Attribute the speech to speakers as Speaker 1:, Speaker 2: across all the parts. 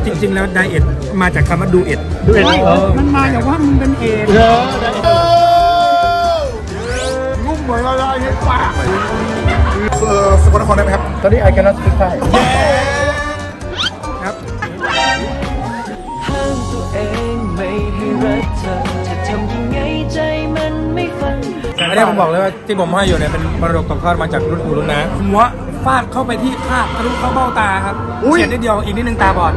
Speaker 1: จริงๆแล้วไดเอทมาจากคำว่าดูเอท
Speaker 2: มันมาจากว่ามึงเป็นเอดงุ้มเหมือนอะไรเห็นปากสกลนครได้ไหมครับ
Speaker 1: ตอนนี้ไอแคนนัสพิกไทยครับ
Speaker 3: ห้ามตัวเองไม่ให้รักเธอจะทำยังไงใจมันไม่ฟัง
Speaker 1: อันนี้ผมบอกเลยว่าที่ผมให้อยู่เนี่ยเป็นมรดกตกทอดมาจากรุ่นปู่รุ่นน้าหัวฟาดเข้าไปที่คาดทะลุเข้าเบ้าตาครับเฉียดนิดเดียวอีกนิดนึงตาบอด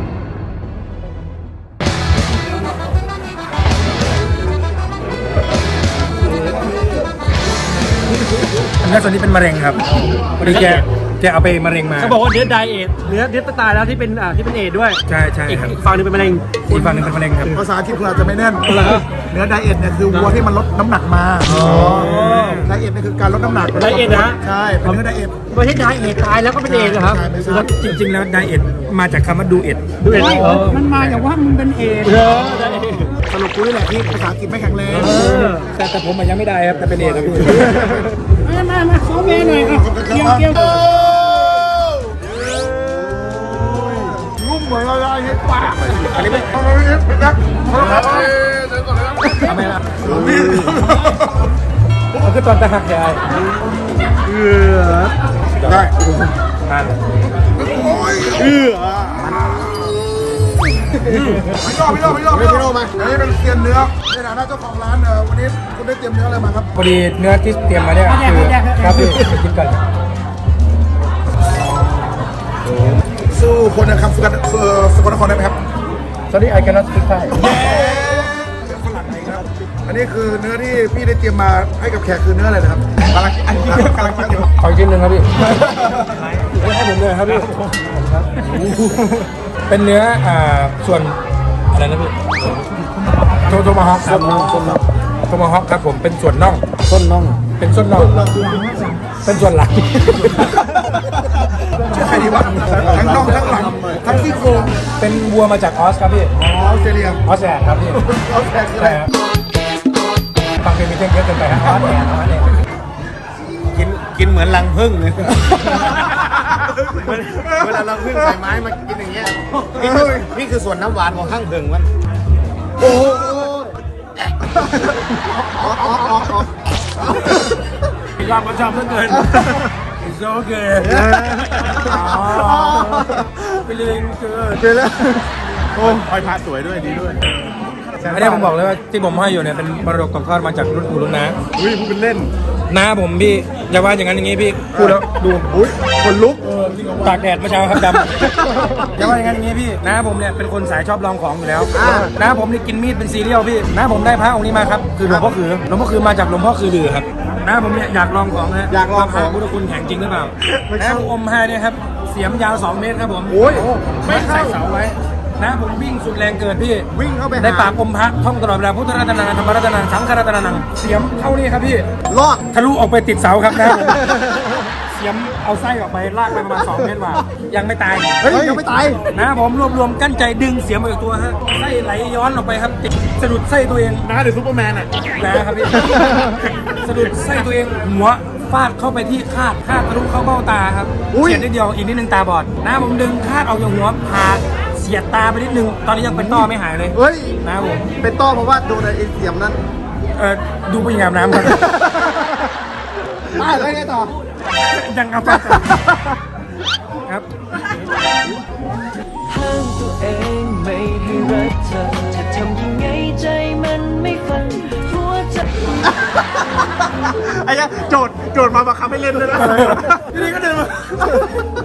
Speaker 1: อันนี้ส่วนนี้เป็นมะเร็งครับพอดีแกเอาไปมะเร็งมา
Speaker 4: เขาบอกว่าเนื้อไดเอทเนื้อตายแล้วที่เป็นเอทด้วย
Speaker 1: ใช่ครับ
Speaker 4: อีกฝั่งนึงเป็นมะเร็ง
Speaker 1: อีกฝั่งนึงเป็นมะเร็งครับ
Speaker 2: ภาษาอังกฤษคุณอาจจะไม่แน่นเนื้อไดเอทเนี่ยคือวัวที่มันลดน้ำหนักมาไดเอทเนี่ยคือการลดน้ำหนัก
Speaker 4: ไดเอทนะ
Speaker 2: ใช่เป็นเนื้อไดเอท
Speaker 4: ไม่ใช่ไดเอทตายแล้วก็เป็นเอทเหรอครับ
Speaker 1: จริงๆแล้วไดเอทมาจากคำว่าดูเอท
Speaker 2: มันมาจากว่ามึงเป็นเอดสรุปกูนี่แหละที่ภาษาอังกฤษไม่แข็งแรง
Speaker 1: แต่ผมยังไม่ได้ครับแต่เป็นเอทครับพี่
Speaker 2: มาซ้อมเมย์หน่อยเกี่ยวงุ้มเหมือนอะไรเห็นปากอันนี้ไม่นัก
Speaker 1: ทำไมล่ะมันคือตอนตาหักใหญ่
Speaker 2: ได้พี่โน่มาอันนี้เป็นเซียนเนื้อในฐานะเจ้าของร้านวันนี้คุณได้เตรียมเนื้ออะไรมาครับ
Speaker 1: พอดีเนื้อที่เตรียมมาเนี่ยคือครับพี่กินกัน
Speaker 2: สู้คนนะครับสกลนครได้ไหมครับ
Speaker 1: ตอนนี้ไอแคนนัสพิกไทย
Speaker 2: อันนี้คือเนื้อที่พี่ได้เตรียมมาให้กับแขกคือเนื้ออะไรนะครับกำลังคิดอยู่
Speaker 1: ขอชิ้นหนึ่งครับพี่ให้ผมเลยครับพี่เป็นเนื้อส่วนอะไรนะพี่โทมาฮอกครับโทมาฮอกครับผมเป็นส่วนน่อง
Speaker 4: ต้นน่อง
Speaker 1: เป็นส่วนน่องเป็นส่วนหลัง
Speaker 2: ใครดีวะทั้งน่องทั้งหลังทั้งซี่โครง
Speaker 1: เป็นวัวมาจากออสครับพี่
Speaker 2: ออสเตรเลีย
Speaker 1: ครับพี่
Speaker 2: ออสเตรเลียคืออะไร
Speaker 1: ฟังเพลงมีเท่งเยอะเกินไปครับออสเนี่ย
Speaker 4: กินเหมือนรังผึ้งเลยเวลารังผึ้งใส่ไม้มากินอย่างเงี้ยนี่คือส่วนน้ำหวานของข้างผึ้งมัน
Speaker 2: โอ้
Speaker 1: ยากประจำเหลือเกินโอเคไปเลยเกิน
Speaker 2: ไปแล้ว
Speaker 4: โอ้คอยพาสวยด้วยดีด้วย
Speaker 1: อันนี้ผมบอกเลยว่าที่ผมให้อยู่เนี่ยเป็นมรดกตกทอดมาจากรุ่นปู่รุ่นน้า
Speaker 4: พูดเป็นเล่น
Speaker 1: น้าผมพี่อย่าว่าอย่างนั้นอย่างนี้พี่พูดแล้วดู
Speaker 2: คนลุก
Speaker 1: ตากแดดเมื่อเช้าครับดำอย่าว่าอย่างนั้นอย่างนี้พี่น้าผมเนี่ยเป็นคนสายชอบลองของอยู่แล้วน้าผมนี่กินมีดเป็นซีเรียลพี่น้าผมได้พระองค์นี้มาครับคือหลวงพ่อคือมาจากหลวงพ่อคือลือครับน้าผมเนี่ยอยากลองของนะ
Speaker 2: อยากลองของ
Speaker 1: พุทธคุณแข็งจริงหรือเปล่าน้าผมอมให้เนี่ยครับเสียมยาว2 เมตรครับผมไม่ใส่เสาไว้นะผมวิ่งสุดแรงเกิดพี่
Speaker 2: วิ่งเข้าไป
Speaker 1: ในปากอมพระท่องตลอดเวลาพุทธรัตนาธรรมรัตนาสังฆรัตนาเสียมเข้านี่ครับพี่
Speaker 2: ลอด
Speaker 1: ทะลุออกไปติดเสาครับนะเสียมเอาไส้ออกไปลากไปประมาณ2 เมตรว่ายังไม่ตาย
Speaker 2: ยังไม่ตาย
Speaker 1: นะผมรวมกั้นใจดึงเสียมออกจากตัวฮะไส้ไหลย้อนออกไปครับติดสะดุดไส้ตัวเอง
Speaker 4: นะหรือซูเปอร์แมนอ่ะ
Speaker 1: นะครับพี่สะดุดไส้ตัวเองหัวฟาดเข้าไปที่คาดทะลุเข้าเบ้าตาครับเฉียดนิดเดียวอีกนิดนึงตาบอดนะผมดึงคาดออกจากหัวผ่าเสียดตาไปนิดนึงตอนนี้ยังเป็นต้อไม่หายเลยนะผม
Speaker 2: เป็นต้อเพราะว่าโดนไอ้เสียมนั้น
Speaker 1: ดูผู้หญิงอาบน้ำครับ
Speaker 2: ได้แล้วไงต่อ
Speaker 1: ยังครับครับ
Speaker 3: ห้ามตัวเองไม่ให้รักเธอจะทำยังไงใจมันไม่ฟังหัวใจ
Speaker 4: ไอ้เนี่ยโจทย์มาบังคับให้เล่นด้วยนะ
Speaker 1: ทีนี้ก็เดินมา